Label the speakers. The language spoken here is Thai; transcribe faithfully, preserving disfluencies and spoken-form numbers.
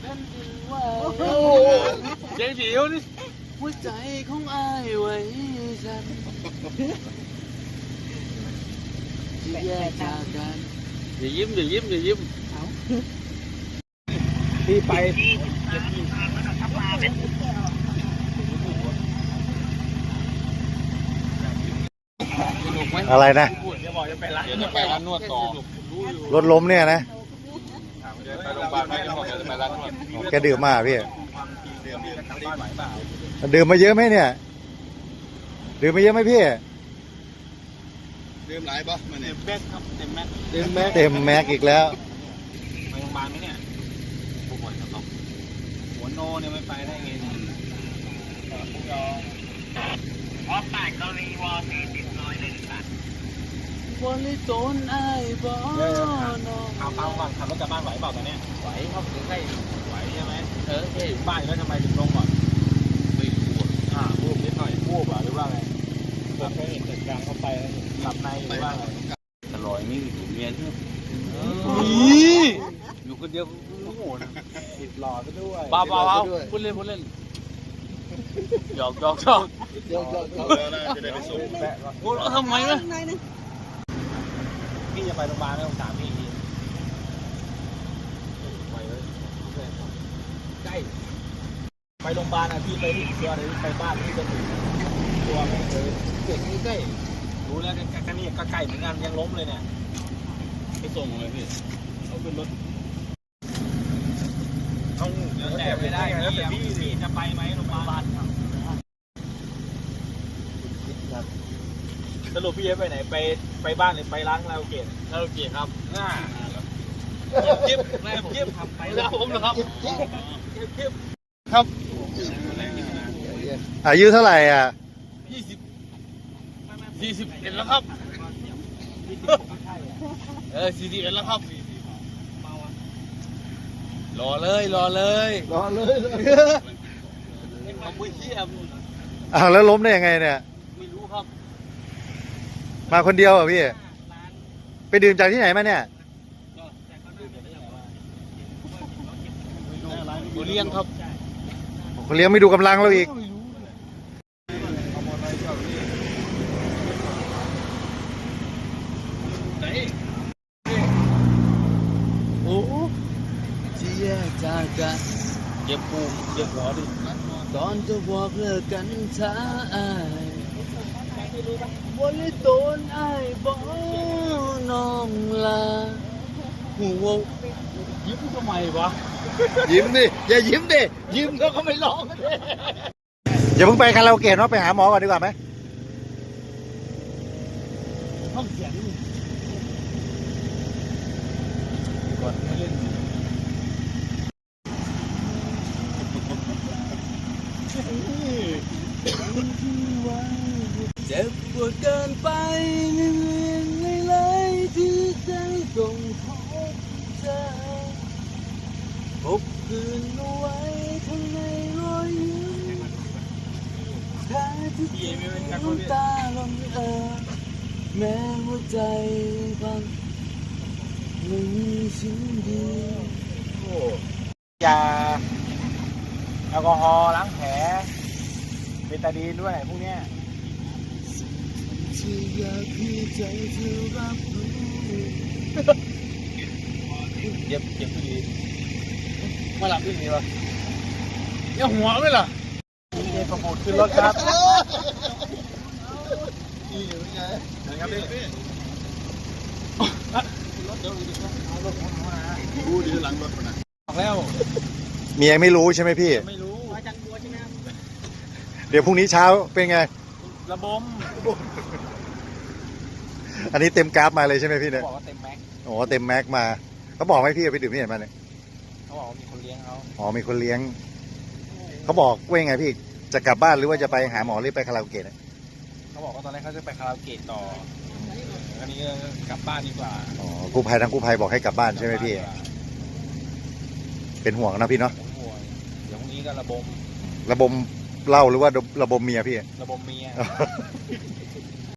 Speaker 1: ท่านดินไหวเจ๋งเดียวนี่หัวใจของอายไว้ฉันที่แยกจากกันอย่ายิ้มอย่ายิ้มอย่ายิ้ม
Speaker 2: พี่ไป
Speaker 3: อะไรนะ
Speaker 2: จะบอกจะไปร้าน
Speaker 1: จะไปร้านนวดต่อ
Speaker 3: รถล้มเนี่ยนะ
Speaker 1: ไปโรงพยาบาลไม่ได้บอกจะไปร้านนวด
Speaker 3: แกดื่มมาพี่ดื่มมาเยอะไหมเนี่ยดื่มมาเยอะไหมพี่
Speaker 1: ดื่มหลายป่ะมันเนี่ยแม็กครับเต็มแม็ก
Speaker 3: เต็มแม็กเต็มแม็กอีกแล้ว
Speaker 2: ไปโรงพยาบาลไหมเนี่ยผู้ป่วยครับหัวโนเนี่ยไม่ไปได้ไงเนี่ยพอแตกกรณีวอร์ซีติดน้อยเลยค่ะ
Speaker 1: บริโตนไอ้บ่น้อง
Speaker 2: เอาเอาก่อนขับรถกลับบ้านไหวเปล่าตอนนี้ไหวครับถึงให้ไหวใช่ไหมเออใช่บ้านแล้วทำไมถึงลงก่อนไม่ปวดอ่าพูดนิดหน่อยพูดหรือว่าไงหลับไปเหตุการณ์เข้าไปหลับในหรือว่าไง
Speaker 1: ตลอยนี่อยู่เมียที่อยู่คนเดียวโอ้โห
Speaker 2: ติดหล่อซะด้วย
Speaker 1: บ้าบ้าบ้าพูดเล่นพูดเล่นหยอกหยอกหยอก
Speaker 3: เดี๋ยวจะได้ไปส่ง
Speaker 1: พูดแล้วทำไมวะ
Speaker 2: พี่จะไปโรงพยาบาลแล้วถามพี่ทีใกล้ไปโรงพยาบาลอ่ะพี่ไปที่ตัวไหนไปบ้านที่จะถึงตัวไม่เคยเด็กนี่ใกล้รู้แล้วกันนี่ก็ใกล้เหมือนกันยังล้มเลยเนี่ย
Speaker 1: ไปส่งเลยพี่
Speaker 2: เอาขึ้นรถต้องแต่ไม่ได้พี่พี่พี่จะไปไหมโรงพยาบาลครับสรุปพี่จะไปไหนไปไปบ้านหรือไปร้านคาราโอเกะ
Speaker 1: คาราโอเกะครับ
Speaker 2: น่า
Speaker 1: เก็บแม่ผมเก็บทำไปแล้วผมนะครับ
Speaker 3: ครับอายุเท่าไหร่อ่ะ
Speaker 1: ยี่สิบยี่สิบเอ็ดแล้วครับเออสี่สิบเอ็ดแล้วครับรอเลยรอเลย
Speaker 3: รอเลย
Speaker 1: ทำไม่เที่ยม
Speaker 3: อ้าวแล้วล้มได้ยังไงเนี่ย
Speaker 1: ไม่รู้ครับ
Speaker 3: มาคนเดียวเหรอพี่ไปดื่มจากที่ไหนมาเนี่ย
Speaker 1: ตัวเลี้ยงครับ
Speaker 3: คนเลี้ยงไม่ดูกำลังเราอีก
Speaker 1: โอ้ที่แยกจากกันเจ็บปูเจ็บหัวดิตอนจะบอกเลิกกันช้าอายบริโตนไอ้บ่น้องลาหัวยิ้มทำไมวะ
Speaker 3: ยิ้มดิอย่ายิ้มดิยิ้มแล้วก็ไม่ร้องอย่าเพิ่งไปคาราโอเกะเนาะไปหาหมอก่อนดีกว่าไหม
Speaker 1: ห้องเสียงนี่
Speaker 2: ก่อนไม่เล่น
Speaker 1: เจ็บปวดเกินไปเรื่อยๆไม่เลยที่ใจต้องพบเจอพบคืนเอาไว้ข้างในรอยยิ้มแท้ที่จริงน้ำตาลงเอ่อแม้หัวใจพังไม่มีสิ่งดี
Speaker 2: ยาแอลกอฮอล์ล้างแผลเบตาดีนด้วยพวกเนี้ย
Speaker 1: ที่อยากให้ใจเธอรับรู้
Speaker 2: เย็บเย็บผู้ดี
Speaker 1: มาหลับที่นี่ปะอย่าหัวไม่ล่ะ
Speaker 2: เย็บประมูลขึ้นรถครับ
Speaker 3: นี่เป็นไง
Speaker 2: นะครับพี่
Speaker 3: ดูดิหลังรถนะ
Speaker 2: บอกแล้ว
Speaker 3: เมียไม่รู้ใช่ไหมพี่
Speaker 2: ไม่รู้มาจังตัวใช่ไหมครับ
Speaker 3: เดี๋ยวพรุ่งนี้เช้าเป็นไง
Speaker 2: ระบม
Speaker 3: อันนี้เต็มกราฟมาเลยใช่ไหมพี่เนี่ย
Speaker 2: บอกว่าเต็มแม็ก
Speaker 3: โอ้เต็มแม็กมาเขาบอกไหมพี่เอาไปดื่มที่ไหนมาเนี่ย
Speaker 2: เขาบอกว่ามีคนเลี้ยงเขา
Speaker 3: อ๋อมีคนเลี้ยงเขาบอกว่ายังไงพี่จะกลับบ้านหรือว่าจะไปหาหมอหรือไปคาราโอเกะเนี่ย
Speaker 2: เขาบอกว่าตอนแรกเขาจะไปคาราโอเกะต่ออันนี้ก็กลับบ้านดีกว่า
Speaker 3: อ๋อกู้ภัยทางกู้ภัยบอกให้กลับบ้านใช่ไหมพี่เป็นห่วงนะพี่เนาะ
Speaker 2: ผมห่วงเดี๋ยวพรุ่งนี้ก็ระบม
Speaker 3: ระบมเหล้าหรือว่าระบมเมียพี่
Speaker 2: ระบมเมีย